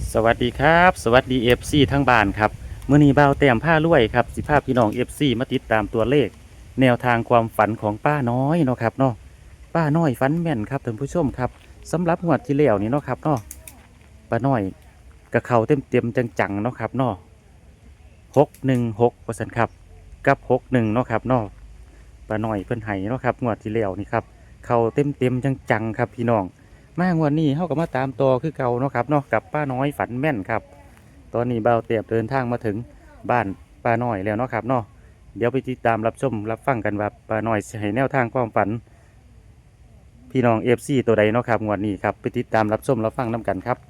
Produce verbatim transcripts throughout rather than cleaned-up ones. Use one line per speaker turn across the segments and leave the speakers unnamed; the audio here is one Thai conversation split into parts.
สวัสดีครับสวัสดี เอฟ ซี ทั้งบ้านครับมื้อนี้บ่าวแต้มผ้ารวยครับสิพาพี่น้อง เอฟ ซี มาติดตามตัวเลขแนวทางความฝันของป้าน้อยเนาะครับเนาะป้าน้อยฝันแม่นครับท่านผู้ชมครับสำหรับงวดที่แล้วนี่เนาะครับเนาะป้าน้อยกับเขาเต็มเต็มๆจังๆเนาะครับเนาะหกหนึ่งหกเปอร์เซ็นต์ครับกับหกหนึ่งเนาะครับเนาะป้าน้อยเพิ่นไห้เนาะครับงวดที่แล้วนี่ครับเขาเต็มเต็มๆจังๆครับพี่น้อง มางวันนี้เขาก็มาตามต่อคือเก่าเนาะครับเนาะกับป้าน้อยฝันแม่นครับตอนนี้เบาเตียบเดินทางมาถึงบ้านป้าน้อยแล้วเนาะครับเนาะเดี๋ยวไปติดตามรับชมรับฟังกันว่าป้าน้อยสิให้แนวทางความฝันพี่น้องเอฟซีตัวใดเนาะครับงวดนี้ครับไปติดตามรับชมรับฟังน้กันครับ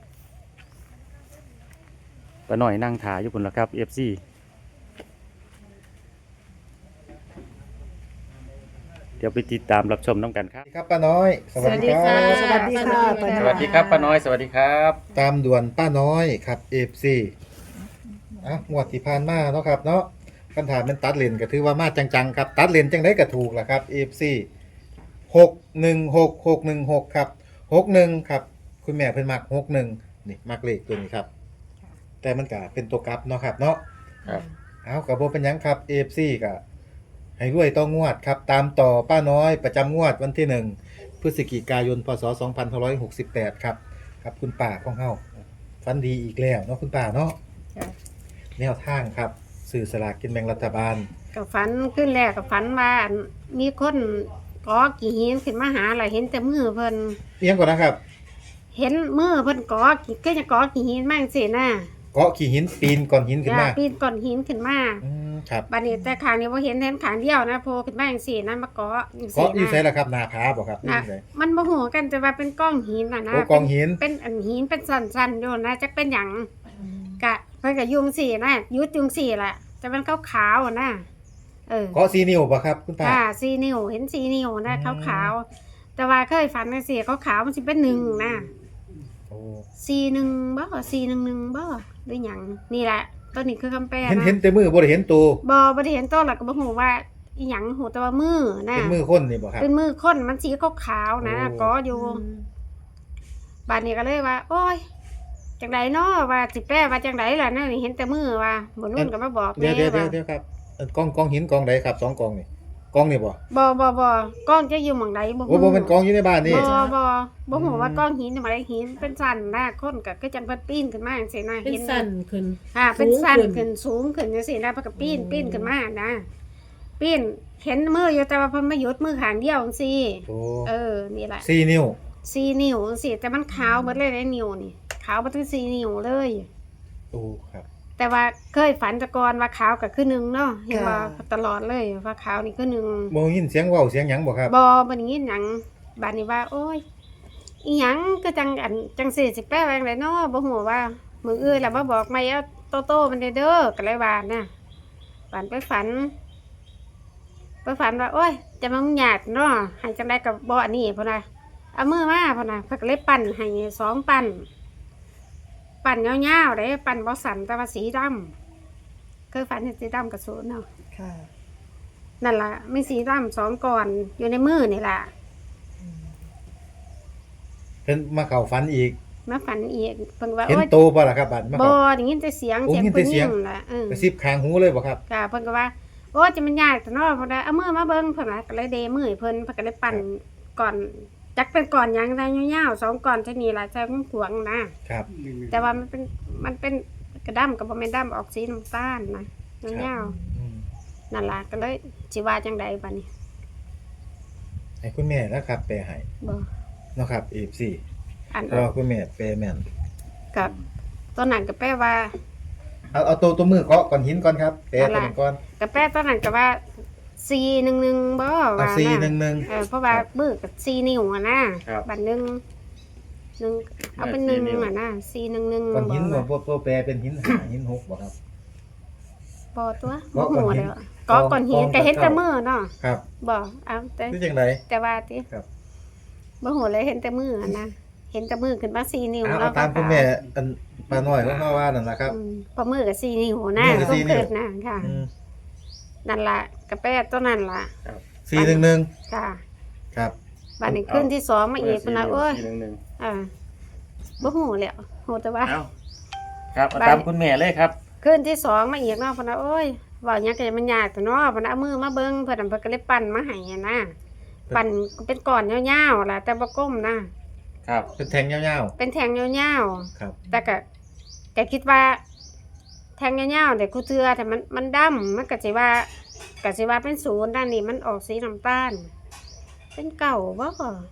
ป้าน้อยนั่งถ่ายอยู่บนละครับเอฟซีเดี๋ยวไปติดตามรับชมน้กันครับ
ครับป้าน้อย
สวัสดีค่ะ
สวัสดีค่ะ
สวัสดีครับป้าน้อยสวัสดีครับ
ตามด่วนป้าน้อยครับเอฟซีอ่ะงวดที่ผ่านมาเนาะครับเนาะคำถามเป็นตัดเลนก็ถือว่ามาจังๆครับตัดเลนจังได้ก็ถูกแหละครับเอฟซีหกหนึ่งหกหกหนึ่งหกครับหกหนึ่งครับคุณแม่เพิ่นมักหกหนึ่งนี่มักเลขตัวนี้ครับแต่มันก็เป็นตัวกลับเนาะครับเนาะ
ครับ
เอากับโบเป็นหยังครับเอฟซีก็ให้รวยต้องงวดครับตามต่อป้าน้อยประจำงวดวันที่หนึ่งพฤศจิกายนพศสองพันห้าร้อยหกสิบแปดครับครับคุณป่าของเฮาฟันดีอีกแล้วเนาะคุณป่าเนาะ
จ้ะ
แนวทางครับสื่อสลากกินแบ่งรัฐบาล
กับฝันขึ้นแรกกับฝันว่ามีคนก่อกี่หินขึ้นมาหาอะไรเห็นแต่มือเพิ่น
เอียงก่อนนะครับ
เห็นมือเพิ่นก่อกี่ก็จะก่อกี่หินมากสินะ
เกาะขี่หินปีนก้อนหินขึ้นมา
จ้ะปีนก้อนหินขึ้นมา
อืมครับ
บัดนี้แต่ขางนี้ว่าเห็นเห็นขางเดียวนะโผล่ขึ้นมาอย่างสี่นั่นมาก่ออย่าง
เกาะอยู่ไส
นะ
ล่ะครับหนาผาบ่ครับอยู่
นะ
ไส
มันบ่ฮู้กันแต่ว่าเป็นก้อนหินน่ะนะ
โอ้กองหิน
เป็นอันหินเป็นสันๆอยู่นะจักเป็นหยังกะเพิ่นก็ยุงสี่นะยุดยุงสี่ล่ะแต่มันขาวๆอะนะเออ
เกาะสีนิ้วบ่ครับคุณป่า
ค่ะสีนิ้วเห็นสีนิ้วนะ
อื
ขาม วขาวๆแต่ว่าเคยฝันในสีขาวขาวๆมันสิเป็นหนึ่งนะ
โอ้
สีหนึ่งบ่สีหนึ่งหนึ่งบ่หรือหยังนี่แหละตัวนี้คือคำแปล
เห็น
นะ
เห็นแต่มือบ่ได้เห็นตัว
บ่บ่ได้เห็นตัวหรอกก็บ่ฮู้ว่าอีหยังฮู้แต่ว่ามือนะ
เป็นมือคนนี่บ่ครับ
เป็นมือคนมันสีขาวขาวๆนะ
โอ้
ก็อยู่บัดนี้ก็เลยว่า โอ้ยจังไดเนาะว่าสิแปลว่าจังไดล่ะนะนี่เห็นแต่มือว่าบ่นู่นก็มาบอก
เดี๋ยวเดี๋ยวเดี๋ยว
ว่า
เดี๋ยวครับเอ่อกองกองหินกองใดครับสองกองนี่กองนี่บ่
บ่บ่บ่กล้องจะอยู่หม่องใดบ่
โอ้บ่เป็นกองอยู่ในบ้านนี่
บ่บ่บ่ฮู้ว่า
อืม
ก้อนหินนี่มาได้หินเป็นสันนะคนก็คือจังเพิ่นปีนขึ้นมาจังซี่นะ
เป็น
เห็น
สั่นขึ้น
ค่ะเป็นสัน
สูงขึ้
ขึ้
น
นสูงขึ้นจังซี่นะเพิ่นก็ปีนปีนขึ้นมานะปีนเห็นมืออยู่แต่ว่าเพิ่นมาหยุดมือข้างเดียวจังซี่
โอ้
เออนี่แหละ
สี่นิ้ว
สี่นิ้วจังซี่แต่มันขาวหมดเลยในนิ้วนี่ขาวบ่ถึงสี่นิ้วเลย
โอ้ครับ
แต่ว่าเคยฝันแตะกอนว่าขาวก็คือหนึ่งเนาะเห็นว่า
ค่ะ
ตลอดเลยว่าขาวนี่คือหนึ่ง
บ่ยินเสียงเว้าเสียงหยังบ่ครับ
บอบันนี้หยังบานนี้ว่า โอ้ยอีหยังก็จังอันจังสี่สิแปดแรงเลยเนาะบ่ฮู้ว่ามืออื่นแล้วมาบอกไม่เอาโตโต้มันเด้อเด้อก็เลยว่านะฝันไปฝัน ไปฝันว่า โอ้ย จะมามึงหยาดเนาะให้จังไดกับบ่อันนี้พุ่นน่ะเอามือมาพุ่นน่ะเพิ่นก็เลยปั่นให้สองปั่นปั่นยาวๆเด้ปั่นบ่สั่นแต่ว่าสีดำเคยฝันเห็นสีดำกับศูนย์เนาะ
ค่ะ
นั่นล่ะมีสีดำสองก่อนอยู่ในมือนี่ล่ะ
เพิ่นมาเข้าฝันอีก
มาฝันอีกเพิ่นว่า
เห็น
โอ้ย
โตบ่ล่ะครับบัดมา
บ่
เข้า
ได้ยินแต่เสียง
โอ้
เสียง
ยินแต่
ผู้ห
เสี
ญิ
ยง
งล่ะเออก
ระซิบข้างหูเลยบ่ครับ
ค่ะเพิ่นก็ว่าโอ้ยจะมันยากแต่เนาะเพิ่นว่าเอามือมาเบิ่งเพิ่นว่าก็เลยเดมือให้เพิ่นเพิ่นก็เลยปั่นก่อนจักเป็นก่อนหยังได้ยาวๆสองก่อนเท่านี้ล่ะใช้ขวงๆนะครับ แต่ว่ามันเป็นมันเป็นกระด้ำก็บ่แม่นด้ำออกสีน้ำตาลนะยาว
อืม
ๆนั่นล่ะก็เลยสิว่าจังใดบัดนี้
ให้คุณแม่นะครับแปลให้
บ่
เนาะครับ เอฟ ซี
อัน
เพราะว่าคุณแม่แปลแม่น
กับตัวนั้นก็แปลว่า
เอาเอาตัวตัวมือเกาะก้อนหินก่อนครับแปลตัวนั้นก่อน
ก็แปลตัวนั้นก็ว่าสี่หนึ่งหนึ่งบ่
เอา
ว่า
สี่
นะ
หนึ่งหนึ่ง
เออเพราะว่ามือกับสี่นิ้วอะนะครับ บัดหนึ่งหนึ่งเอาเป็นหนึ่งอะนะสี่หนึ่งหนึ่ง
ก้อนหิน
บ่
บ่บ่บ่แปลเป็นหินห้าหินหกบ่ครับ
บ่ตัว
เกาะ
บ่
ก้อน
หัว
หิน
แล้วก็ก่อนหิน
กอง
ก็เห็นแต่
กอง
มือเนาะ
ครับ
บ่เอาแต่
คือจังได
แต่ว่าติ
ครับ
บ่หัวเลยเห็นแต่มืออะนะเห็นแต่มือขึ้นมาสี่นิ้ว
เอา
แล้
เอา
ว
ตามคุณแม่อันป้าน้อยของเฮาว่านั่นล่ะครับ
อืมพอมือกับสี่นิ้วนะ
มือกับสี่นิ้ว
เกิดนะค่ะ
อืม
นั่นล่ะก็แปลตัวนั้นล่ะ
สี่หนึ่งหนึ่ง
ค่ะ
ครับ
บัดนี้ขึ้นที่สองมาอีกพุ่นน่ะโอ้ย
สี่หนึ่งหนึ่ง
อ่าบ่หูแล้วหูแต่ว่า
เอ้าครับเอาตามคุณแม่เลยครับ
คืนที่สองมาอีกเนาะเพิ่นว่าโอ้ยเว้าหยังก็มันยากแต่เนาะเพิ่นเอามือมาเบิ่งเพิ่นน่ะเพิ่นก็เลยปั้นมาให้อะนะปั้นเป็นก้อนยาวๆล่ะแต่บ่กลมนะครับ
เป็นแทงยาว
เป็นแท่งยาว
ๆครับ
ๆแต่ก็ก็คิดว่า แท่งยาวๆแต่กูเทื่อแต่มันมันดำมันก็สิว่าก็สิว่าเป็นศูนย์ด้านนี้มันออกสีน้ำตาล เป็นเก่าบ่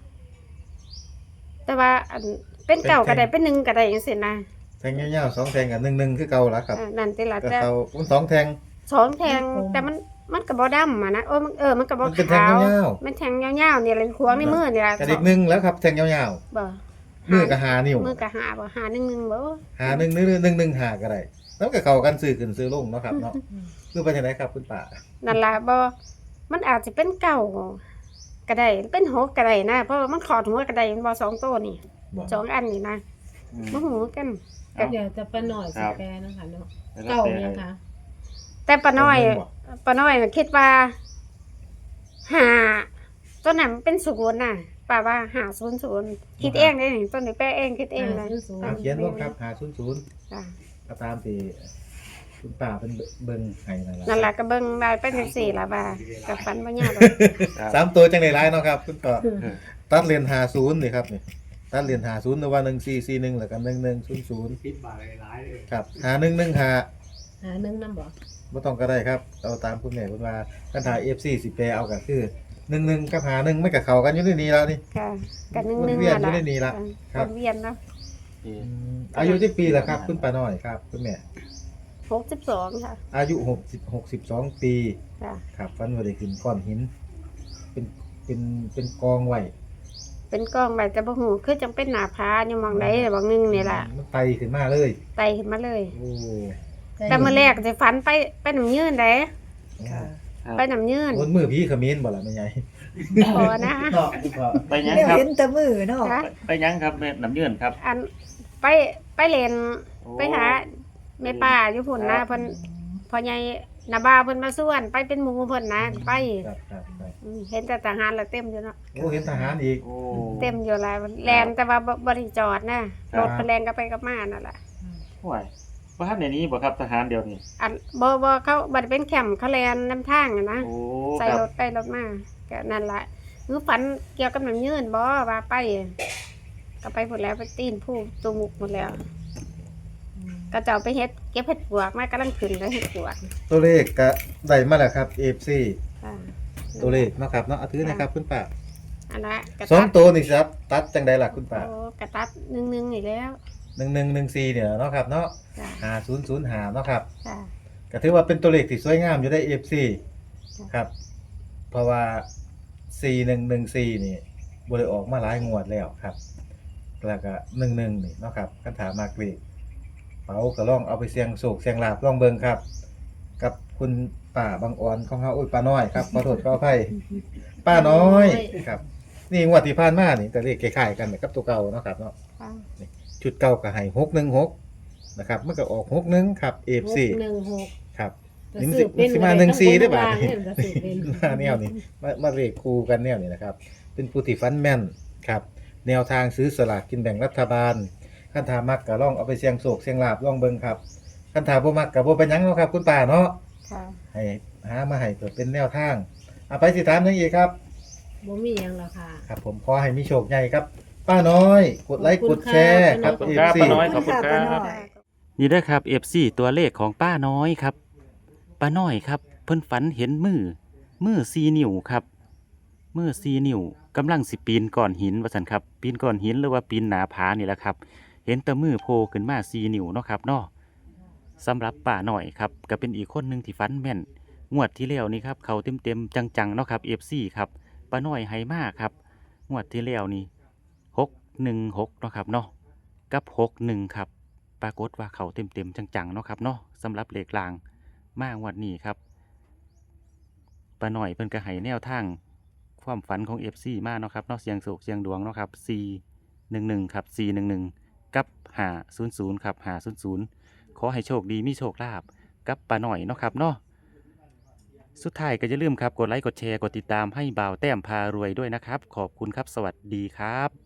แต่ว่าอันเป็นเก่าก็ได้เป็นหนึ่งก็ได้จังซี่นะ
แทงยาวๆสองแทงกับหนึ่งหนึ่งคือเก่าละครับ
เออนั่นติล่ะ
ก็
แต่
เขาอุ้นสองแทง
สองแทงแต่มันมันก็บ่ดำอ่ะนะโอ้มันเออมันก็บ่
มันเป็นแทง
ขาวย
าว
มันแทงยาวๆนี่แหละควงในมือนี่ล่ะ
กระดิกหนึ่งแล้วครับแทงยาว
บ่
ๆมือกับหานิ้ว
มือก็หาบ่หาหนึ่งหนึ่งบ่
หาหนึ่งหนึ่งหนึ่งหนึ่งหาก็ได้แล้วก็เข้ากันซื้อขึ้นซื้อลงเนาะครับเนาะคือไปทางไหนครับคุณป่า
นั่นล่ะบ่มันอาจจะเป็นเก่าก็ได้เป็นหกก็ได้นะเพราะว่ามันขอดหัวก็ได้มันบ่สองตัวนี่
บอก
สองอันนี่นะ
อืม
บ่ฮู้กัน
ครับ
เดี๋ยวจะป้าหน่อย
ค
ส
รับ
แกนนะคะเนาะ
แล้ว
เก่า
แต่
ยังคะ
แต่ป้าน้อย
ผมบอก
ป้าน้อยน่ะคิดว่าหาตัวนั้นมันเป็นศูนย์น่ะป้าว่าหาศูนย์ศูนย์คิดเองได้นี่ต้นนี้แป้เองคิดเองเลย
เอาเขียนลงครับหาศูนย์ศูนย์
จ้ะ
ก็ตามที่คุณป่าเป็นเบิ่งให้นั่นแหละ
นั่นล่ะก็เบิ่งได้เป็นจังซี่ล่ะว่าก็ฝันบ่ยากหรอก
ครับ
สามตัวจังได๋หลายเนาะครับคุณป่าตัดเลนหาศูนย์นี่ครับนี่ตัดเลนหาศูนย์หรือว่าหนึ่งสี่สี่หนึ่งแล้วก็หนึ่งหนึ่งศูนย์ศูนย์
คิดบาทหลายๆเลย
ครับหาหนึ่งหนึ่งหา
หาหนึ่งน้ำบ่
บ่ต้องก็ได้ครับเอาตามคุณแม่เพิ่นว่าคันถ่าย เอฟ ซี สิแปลเอาก็คือหนึ่งหนึ่งกับหาหนึ่งมันก็เข้ากันอยู่ในนี้แล้วนี่
ค่ะก็หนึ่ง
วน
ๆ
เวียน
นั่น
อยู่
ล่ะ
ในนี้ล่ะครับ
วนเวียนเนาะ
อืมอายุที่ปีละครับ คุณป้าน้อยครับคุณแม่
หกสิบสองค่ะ
อายุหกสิบ หกสิบสองปี
จ้ะ
ครับฟันว่าได้ขึ้นก้อนหิน เป็นเป็นเป็นกองไว้
เป็นกล้องใบแต่บ่ฮู้คือจังเป็นหน้าผาอยู่หม่องใดบางนึงนี่ล่ะ
มันไตขึ้นมาเลย
ไต่ขึ้นมาเลย
โอ้
แต่มื้อแรกสิฝันไปไปน้ำยืนเด้
ค่ะ
ไปน้ำยืน
บนมือพี่ขมิ้นบ่ล่ะแม่ใหญ่
พอนะ
ไปยัง
เดี๋ยว
ครับ
เห็นแต่มือเนาะ
ค่ะ
ไปยังครับแม่น้ำยืนครับ
อันไปไปเล่น
โอ้
ไปหาแม่ป้าอยู่พุ่นนะเพิ่นพ่อใหญ่นาบ่าวเพิ่นมาส่วนไปเป็นหมู่เพิ่นนะไป
ครับครับครับ
อืมเห็นแต่ทหารละเต็มอยู่เนาะ
โอ้เห็นทหารอีก
โอ้
เต็มอยู่หลายแลนแต่ว่าบ่บ่ได้จอดนะรถเพิ่นแล่นก็ไปกับมานั่นล่ะ
ห่วยบ้านในนี้บ่ครับทหารเดียวนี่
อันบ่บ่เขาบ่ได้เป็นแคมป์เขาแล่นนำทางอะนะ
โอ้
ใส่
ค
ร
รับ
ถไปรถมาก็นั่นล่ะคือฝันเกี่ยวกับน้ำยืนบ่ว่าไปก็ไปหมดแล้วไปตีนผู้ตูมุกหมดแล้ว ก็จะเอาไปเฮ็ดเก็บเห็ดปวกมากำลังขึ้นเลยเห็ดปวก
ตัวเลขก็ได้มาแล้วครับ เอฟ ซี
อ่า
ตัวเลขเนาะครับเนาะเอาถือนะครับคุณป้า
อันละกระ
สอ
ตั
ง
ด
ตัวนี่ครับตัดจังไดล่ะคุณป้า
โอ้กระตัดหนึ่งหนึ่งอีกแล้ว
หนึ่งหนึ่งหนึ่งสี่เนี่ยเนาะครับเนาะ
จ้ะ
หาศูนย์ศูนย์หาเนาะครับ
จ้ะ
ก็ถือว่าเป็นตัวเลขที่สวยงามอยู่ได้ เอฟ ซี
จ้ะ
ครับ เพราะว่า สี่หนึ่งหนึ่งสี่ นี่บ่ได้ออกมาหลายงวดแล้วครับ แล้วก็หนึ่งหนึ่งนี่เนาะครับคันถามมากเลขเป๋าก็ลองเอาไปเสี่ยงโศกเสี่ยงลาบลองเบิ่งครับ กับคุณป้าบางอ่อนของเฮาโอ้ยป้าน้อยครับขอโทษขออภัยป้าน้อยครับ นี่งวดที่ผ่านมานี่ก็เลขคล้ายๆกันกับตัวเก่าเนาะครับเนาะ
ค่ะ
ชุดเก่าก็ให้หกหนึ่งหกนะครับมันก็ออกหกหนึ่งครับ เอฟ ซี
หกหนึ่งหก
ครับ
จะ
นี่มัน
สื
สิ
บเป็น
มันสิมาหนึ่งสี่ได้ป่ะ
ทั้งบนทั้งล่างเนี่ยมันจะสืบเป็น
มาแนวนี้มามาเลขคู่กันแนวนี้นะครับ เป็นผู้ที่ฟันแม่นครับ แนวทางซื้อสลากกินแบ่งรัฐบาลคันถามักก็ลองเอาไปเสี่ยงโศกเสี่ยงลาบลองเบิ่งครับคันถาบ่มักก็บ่เป็นหยังเนาะครับ คุณป้าเนาะ
ค่ะ
ให้หามาให้เพื่อเป็นแนวทางเอาไปสิถามหยังอีกครับ
บ่มีหยังแล้วค่ะ
ครับ ผมขอให้มีโชคใหญ่ครับ ป้าน้อย กดไลค์
ขอบ
ก
คุ
ด
ณ
แชร์ค
ค่ะ
รับ
ขอบคุ
เอ
ณ
ฟ
ครับ
ซี
ป้าน้อยขอบคุณค
ป้า
รั
น้
บ
อย
นี่เด้อครับ เอฟ ซี ตัวเลขของป้าน้อยครับป้าน้อยครับ เพิ่นฝันเห็นมือมือสี่นิ้วครับมือสี่นิ้วกำลังสิปีนก้อนหินว่าซั่นครับ ปีนก้อนหินหรือว่าปีนหน้าผานี่แหละครับ เห็นแต่มือโผล่ขึ้นมาสี่นิ้วเนาะครับเนาะสำหรับป้าน้อยครับก็เป็นอีกคนหนึงที่ฝันแม่นงวดที่แล้วนี่ครับเขาเต็มๆจังๆเนาะครับ เอฟ ซี ครับป้าน้อยให้มากครับงวดที่แล้วนี่หกหนึ่งหกเนาะครับเนาะกับหกหนึ่งครับ ปรากฏว่าเขาเต็มๆจังๆเนาะครับเนาะสำหรับเลขลางมางวดนี้ครับป้าหน่อยเพิ่นก็ให้แนวทางความฝันของ เอฟ ซี มาเนาะครับเนาะเสียงโศกเสียงดวงเนาะครับสี่ หนึ่ง หนึ่งครับสี่ หนึ่ง หนึ่งกับห้า ศูนย์ ศูนย์ครับห้า ศูนย์ ศูนย์ขอให้โชคดีมีโชคลาภกับป้าหน่อยเนาะครับเนาะสุดท้ายก็อย่าลืมครับกดไลค์กดแชร์กดติดตามให้บ่าวแต้มพารวยด้วยนะครับขอบคุณครับสวัสดีครับ